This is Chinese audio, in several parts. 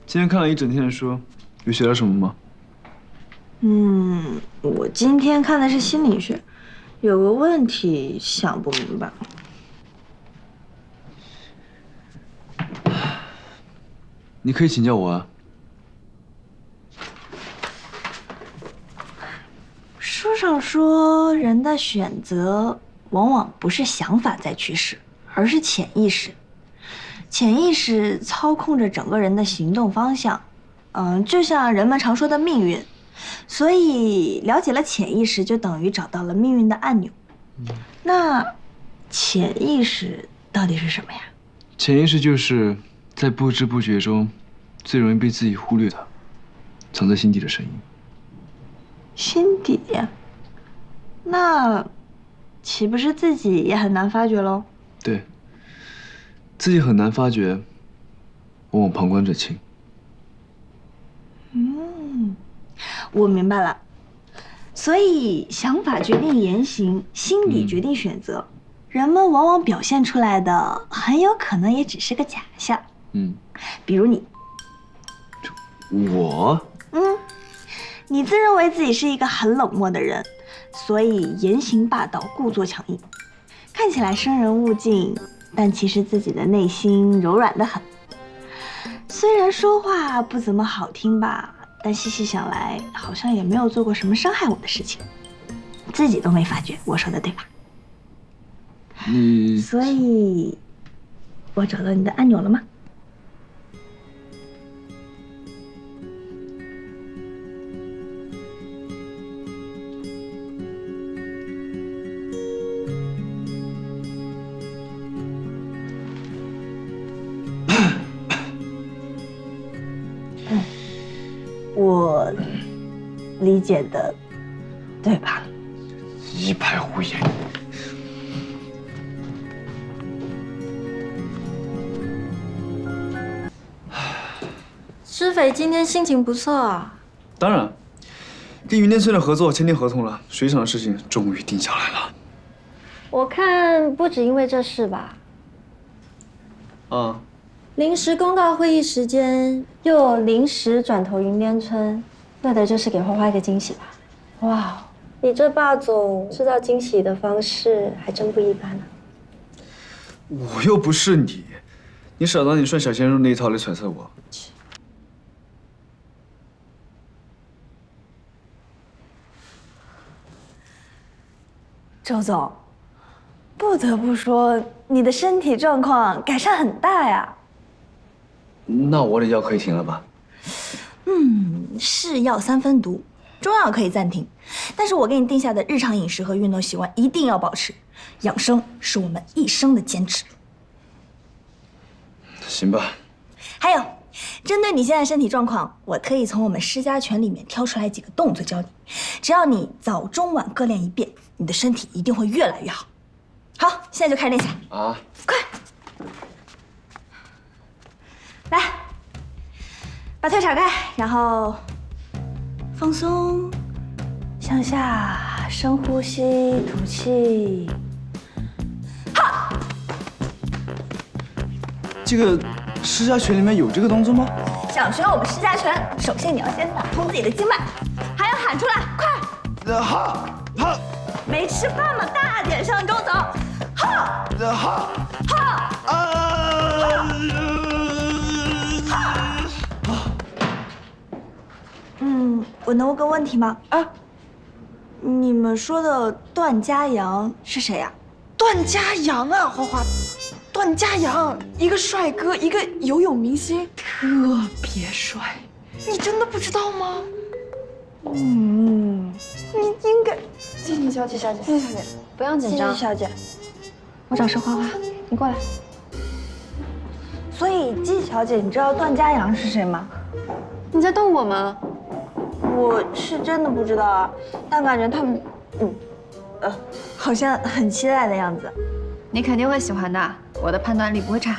今天看了一整天的书，有学到什么吗？ 我今天看的是心理学，有个问题想不明白。 你可以请教我啊。 书上说，人的选择往往不是想法在驱使，而是潜意识。潜意识操控着整个人的行动方向，就像人们常说的命运。所以了解了潜意识，就等于找到了命运的按钮。那潜意识到底是什么呀？ 潜意识就是在不知不觉中最容易被自己忽略的，藏在心底的声音。 心底？那岂不是自己也很难发觉喽？ 对，自己很难发觉，往往旁观者清。 我明白了。所以想法决定言行，心理决定选择。人们往往表现出来的，很有可能也只是个假象。比如你。 我？ 你自认为自己是一个很冷漠的人，所以言行霸道，故作强硬，看起来生人勿近，但其实自己的内心柔软得很。虽然说话不怎么好听吧，但细细想来，好像也没有做过什么伤害我的事情，自己都没发觉。我说的对吧？所以，我找到你的按钮了吗？我理解的，对吧？ 一派胡言。 施肥今天心情不错啊。 当然，跟云天村的合作签订合同了，水厂的事情终于定下来了。 我看不止因为这事吧。临时公告会议时间，又临时转投云巅村，为的就是给花花一个惊喜吧。哇，你这霸总制造惊喜的方式还真不一般呢。 我又不是你，你少拿你顺小鲜肉那一套来揣测我。 周总，不得不说，你的身体状况改善很大呀。 那我的药可以停了吧？ 是药三分毒，中药可以暂停，但是我给你定下的日常饮食和运动习惯一定要保持，养生是我们一生的坚持。 行吧。 还有，针对你现在身体状况，我特意从我们施家拳里面挑出来几个动作教你，只要你早中晚各练一遍，你的身体一定会越来越好。好，现在就开始练习啊！快，来，把腿敞开，然后放松，向下深呼吸，吐气。哈！ 这个施家拳里面有这个动作吗？ 想学我们施家拳，首先你要先打通自己的经脉，还要喊出来，快！ 哈！ 没吃饭吗？大点声，周总。哈！我能问个问题吗？你们说的段嘉阳是谁呀？ 段嘉阳啊，花花，段嘉阳，一个帅哥，一个游泳明星，特别帅。你真的不知道吗？你应该。谢谢小姐，谢谢小姐， 不用紧张。 谢谢小姐。 我找是花花，你过来。 所以季小姐，你知道段嘉阳是谁吗？ 你在逗我吗？ 我是真的不知道啊，但感觉他们，好像很期待的样子。 你肯定会喜欢的，我的判断力不会差。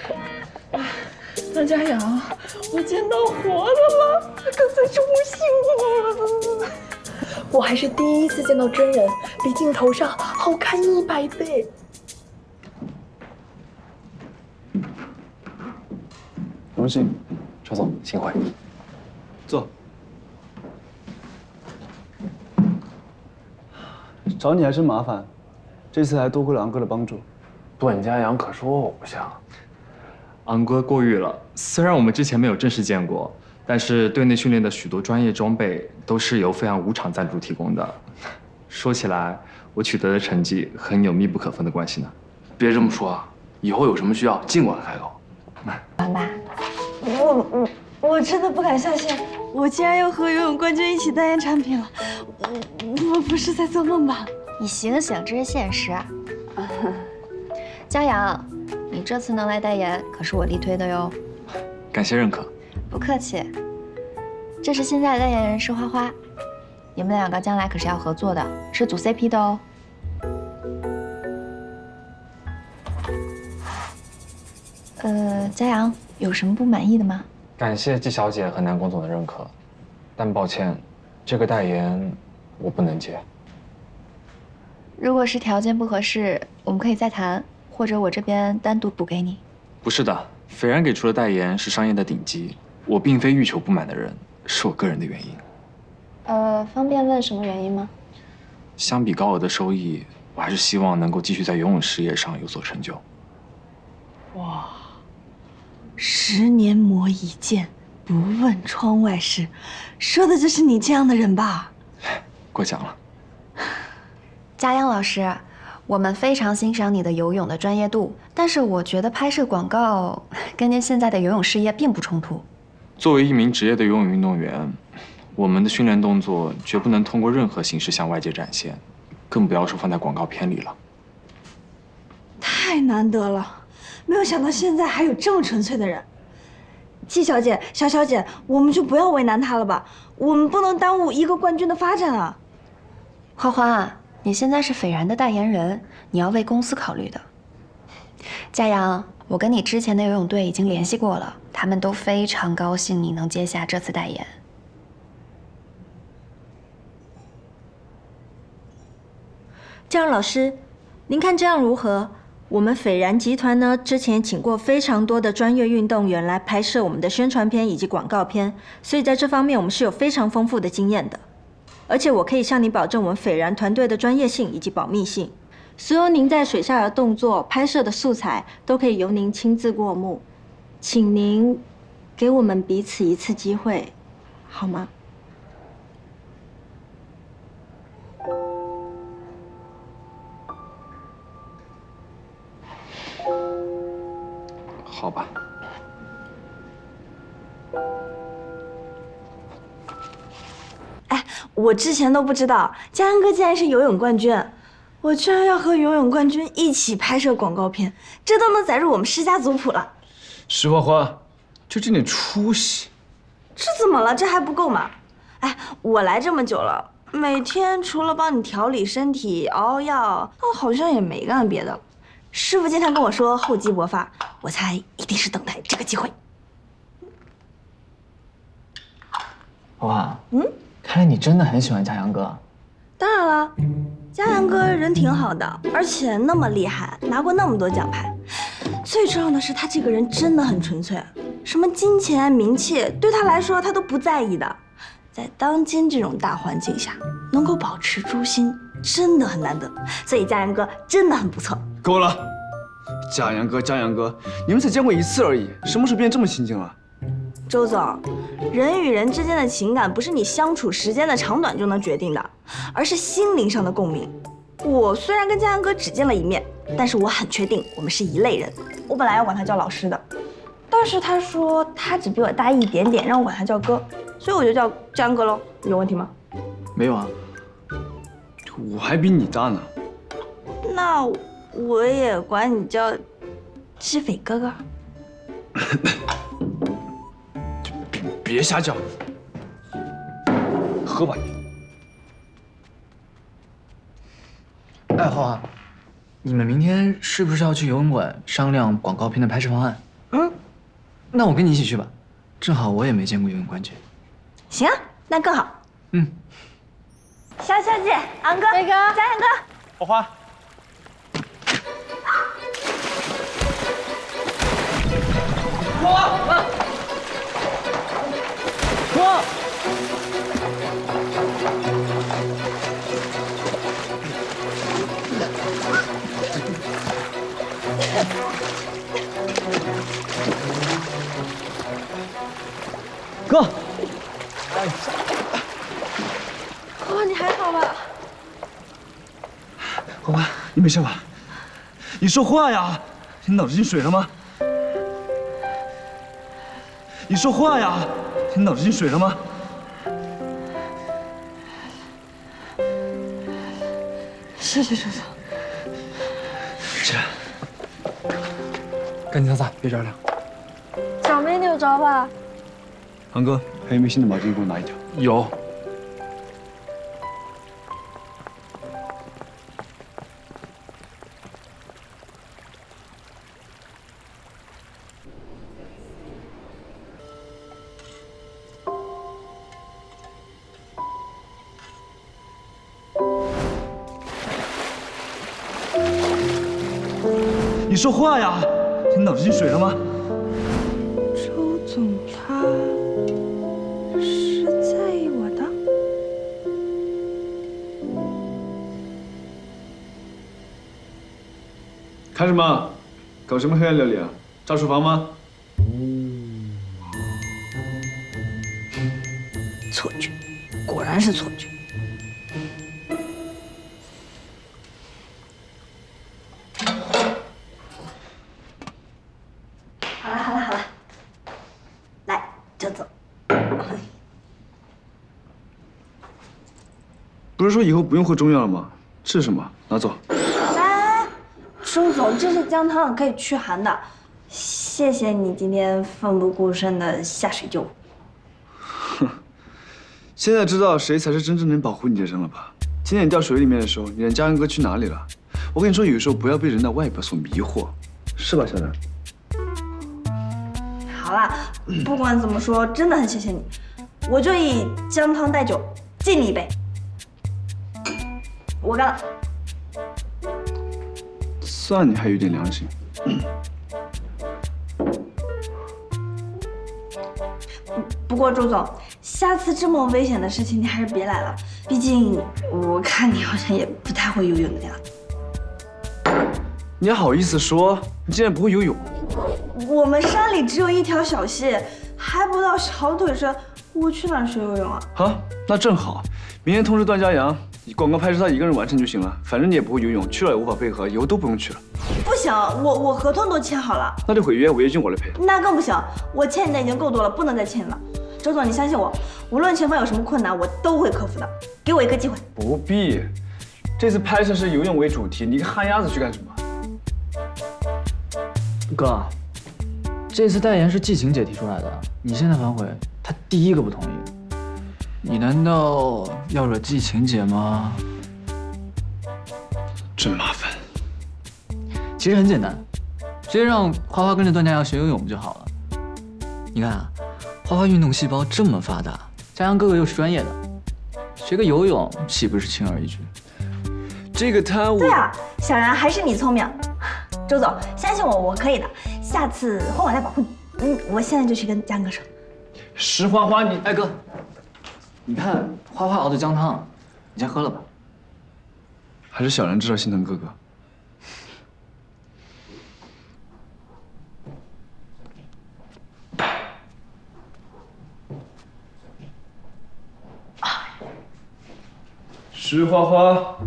段嘉阳，我见到活的了，他刚才中午醒了。 还是第一次见到真人，比镜头上好看100倍。 荣幸，周总，幸会。 坐。 找你还真麻烦，这次还多亏了昂哥的帮助。 段家阳可是我偶像， 昂哥过誉了。虽然我们之前没有正式见过，但是队内训练的许多专业装备都是由飞扬5厂赞助提供的。说起来，我取得的成绩和你有密不可分的关系呢。 别这么说啊，以后有什么需要尽管开口。 王爸， 我真的不敢相信，我竟然要和游泳冠军一起代言产品了。我不是在做梦吧？ 你醒醒，这是现实。江阳，你这次能来代言，可是我力推的哟。 感谢认可。 不客气。这是现在的代言人是花花，你们两个将来可是要合作的，是组 CP 的哦。江阳，有什么不满意的吗？ 感谢季小姐和南宫总的认可，但抱歉，这个代言我不能接。 如果是条件不合适，我们可以再谈，或者我这边单独补给你。 不是的，斐然给出的代言是商业的顶级，我并非欲求不满的人，是我个人的原因。 方便问什么原因吗？ 相比高额的收益，我还是希望能够继续在游泳事业上有所成就。 哇，10年磨一剑，不问窗外事，说的就是你这样的人吧？ 过奖了。 嘉央老师，我们非常欣赏你的游泳的专业度，但是我觉得拍摄广告跟您现在的游泳事业并不冲突。 作为一名职业的游泳运动员，我们的训练动作绝不能通过任何形式向外界展现，更不要说放在广告片里了。 太难得了，没有想到现在还有这么纯粹的人。季小姐、小小姐，我们就不要为难他了吧，我们不能耽误一个冠军的发展啊。 花花，你现在是斐然的代言人，你要为公司考虑的。嘉阳，我跟你之前的游泳队已经联系过了，他们都非常高兴你能接下这次代言。 这样，老师，您看这样如何？我们斐然集团呢，之前请过非常多的专业运动员来拍摄我们的宣传片以及广告片，所以在这方面我们是有非常丰富的经验的。而且我可以向你保证，我们斐然团队的专业性以及保密性，所有您在水下的动作、拍摄的素材都可以由您亲自过目。请您给我们彼此一次机会，好吗？ 好吧。 哎，我之前都不知道嘉恩哥竟然是游泳冠军，我居然要和游泳冠军一起拍摄广告片，这都能载入我们世家族谱了。 石花花，就这点出息， 这怎么了？这还不够吗？哎，我来这么久了，每天除了帮你调理身体、熬药，好像也没干别的。师傅经常跟我说厚积薄发，我猜一定是等待这个机会。 哇，看来你真的很喜欢嘉阳哥。 当然了，嘉阳哥人挺好的，而且那么厉害，拿过那么多奖牌。最重要的是，他这个人真的很纯粹，什么金钱、名气，对他来说他都不在意的。在当今这种大环境下，能够保持初心，真的很难得。所以嘉阳哥真的很不错。 够了，嘉阳哥，嘉阳哥，你们才见过一次而已，什么时候变这么亲近了？ 周总，人与人之间的情感不是你相处时间的长短就能决定的，而是心灵上的共鸣。我虽然跟嘉阳哥只见了一面，但是我很确定我们是一类人。我本来要管他叫老师的，但是他说他只比我大一点点，让我管他叫哥，所以我就叫嘉阳哥喽。有问题吗？ 没有啊。 我还比你大呢。 那我也管你叫志斐哥哥。 别瞎叫，喝吧你。 哎，花花，你们明天是不是要去游泳馆商量广告片的拍摄方案？那我跟你一起去吧，正好我也没见过游泳冠军。 行啊，那更好。 小小姐，昂哥， 飞哥， 嘉阳哥， 花花， 哥， 花花，你还好吧？ 花花，你没事吧？你说话呀！你脑子进水了吗？你说话呀！你脑子进水了吗？ 谢谢周总。 起来， 赶紧擦擦，别着凉。 脚没扭着吧？ 航哥，还有没有新的毛巾？给我拿一条。 有。 你说话呀！你脑子进水了吗？ 周总他是在意我的。 看什么？搞什么黑暗料理啊？炸厨房吗？ 错觉，果然是错觉。好了，来，周总。 不是说以后不用喝中药了吗？吃什么？拿走。 来，周总，这是姜汤，可以驱寒的。谢谢你今天奋不顾身的下水救我。 哼，现在知道谁才是真正能保护你的人了吧？今天你掉水里面的时候，你让嘉恩哥去哪里了？我跟你说，有时候不要被人的外表所迷惑，是吧，小兰？ 好啦，不管怎么说，真的很谢谢你，我就以姜汤代酒敬你一杯。我干了。 算你还有点良心。 不过周总，下次这么危险的事情你还是别来了，毕竟我看你好像也不太会游泳的样子。 你还好意思说？你竟然不会游泳？ 我们山里只有一条小溪，还不到小腿深，我去哪儿学游泳啊？ 好，那正好，明天通知段嘉阳，你广告拍摄他一个人完成就行了，反正你也不会游泳，去了也无法配合，以后都不用去了。 不行，我合同都签好了。 那就毁约，违约金我来赔。 那更不行，我欠你的已经够多了，不能再欠你了。周总，你相信我，无论前方有什么困难，我都会克服的。给我一个机会。 不必，这次拍摄是游泳为主题，你一个旱鸭子去干什么？ 哥，这次代言是季晴姐提出来的，你现在反悔，她第一个不同意。你难道要惹季晴姐吗？ 真麻烦。 其实很简单，直接让花花跟着段嘉阳学游泳不就好了？你看啊，花花运动细胞这么发达，嘉阳哥哥又是专业的，学个游泳岂不是轻而易举？ 这个他对啊，小然还是你聪明。周总，相信我，我可以的。下次换我来保护你。我现在就去跟江哥说。 石花花，你哎哥，你看花花熬的姜汤，你先喝了吧。 还是小然知道心疼哥哥。石花花，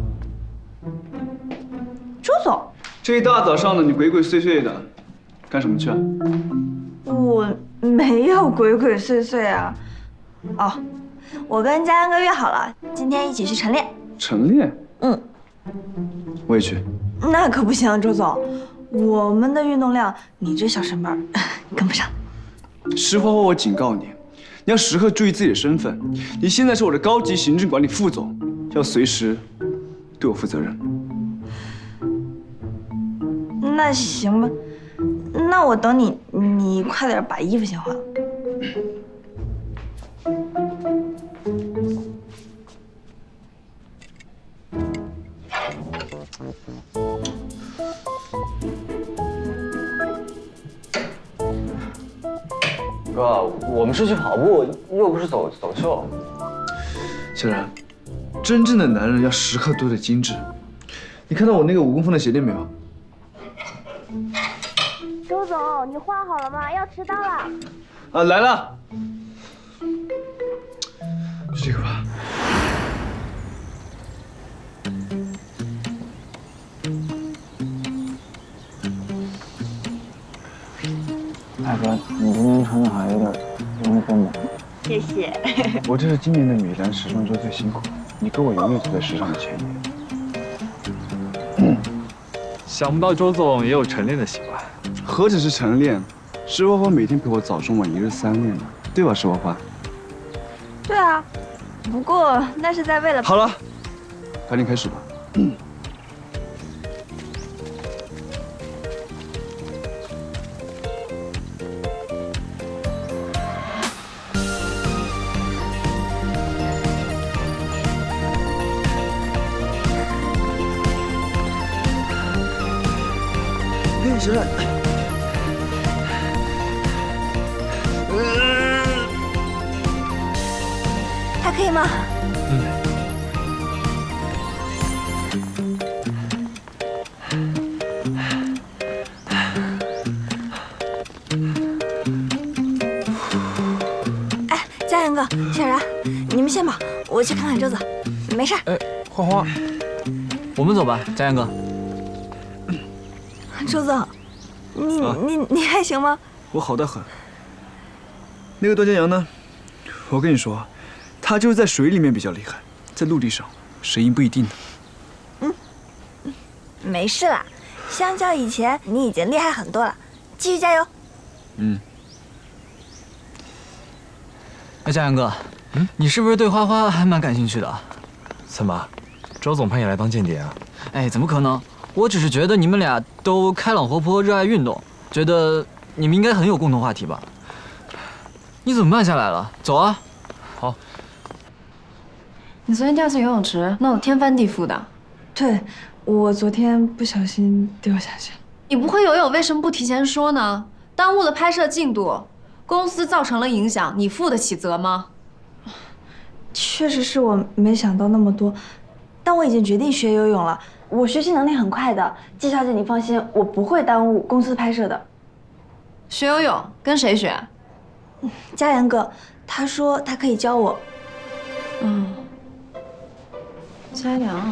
周总， 这一大早上的你鬼鬼祟祟的，干什么去啊？ 我没有鬼鬼祟祟啊。哦，我跟嘉阳哥约好了，今天一起去晨练。 晨练？ 嗯， 我也去。 那可不行，周总，我们的运动量，你这小身板跟不上。 石花花，我警告你，你要时刻注意自己的身份。你现在是我的高级行政管理副总，要随时对我负责任。 那行吧，那我等你，你快点把衣服先换了。 哥，我们是去跑步，又不是走秀。 小然，真正的男人要时刻都得精致。你看到我那个5公分的鞋垫没有？ 周总，你画好了吗？要迟到了。 啊，来了。就这个吧。 大哥，你今天穿的还有点阴风嘛。 谢谢。 我这是今年的米兰时装周最辛苦，你跟我永远走在时尚的前沿。 想不到周总也有晨练的习惯。 何止是晨练，石花花每天陪我早中晚1日3练呢，对吧，石花花？ 对啊，不过那是在为了…… 好了，赶紧开始吧。小冉， 还可以吗？哎，嘉阳哥、小然，你们先跑，我去看看周子，没事。 哎，花花，我们走吧，嘉阳哥。 周总，你还行吗？ 我好得很。那个段嘉阳呢？我跟你说，他就是在水里面比较厉害，在陆地上谁赢不一定呢。 没事啦，相较以前，你已经厉害很多了，继续加油。 哎，嘉阳哥，你是不是对花花还蛮感兴趣的？ 怎么，周总派你来当间谍啊？ 哎，怎么可能？我只是觉得你们俩都开朗活泼，热爱运动，觉得你们应该很有共同话题吧？你怎么慢下来了？走啊！ 好。 你昨天掉进游泳池，闹得天翻地覆的。 对，我昨天不小心掉下去了。 你不会游泳，为什么不提前说呢？耽误了拍摄进度，公司造成了影响，你负得起责吗？ 确实是我没想到那么多， 但我已经决定学游泳了。我学习能力很快的，季小姐你放心，我不会耽误公司拍摄的。 学游泳跟谁学？ 嘉阳哥，他说他可以教我。 嘉阳。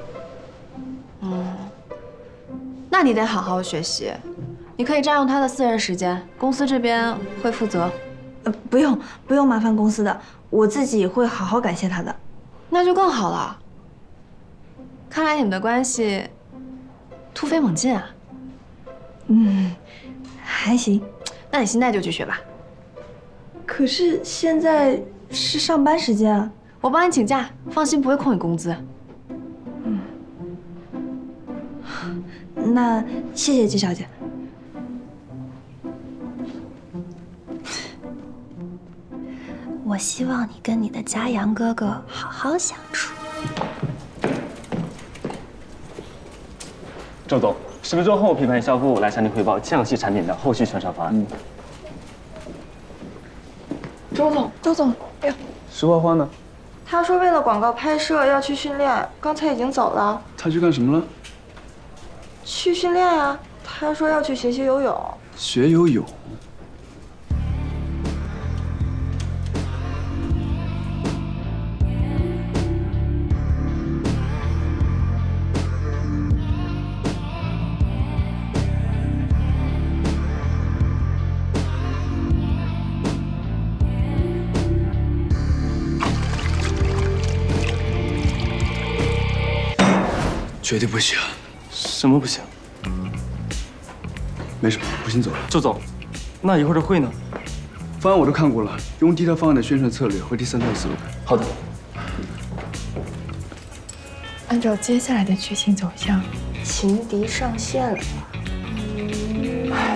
那你得好好学习，你可以占用他的私人时间，公司这边会负责。 不用麻烦公司的，我自己会好好感谢他的。 那就更好了。看来你们的关系突飞猛进啊！ 还行。 那你现在就去学吧。 可是现在是上班时间啊。 我帮你请假，放心，不会扣你工资。 那谢谢季小姐。我希望你跟你的嘉阳哥哥好好相处。 周总，10分钟后品牌营销部来向您汇报降系产品的后续宣传方案。 周总，哎呦， 石花花呢？ 他说为了广告拍摄要去训练，刚才已经走了。 他去干什么了？ 去训练呀，他说要去学习游泳。 学游泳。绝对不行！ 什么不行？ 没什么，我先走了。 周总，那一会儿的会呢？ 方案我都看过了，用第一套方案的宣传策略和第3套思路。 好的。 按照接下来的剧情走向， 情敌上线了。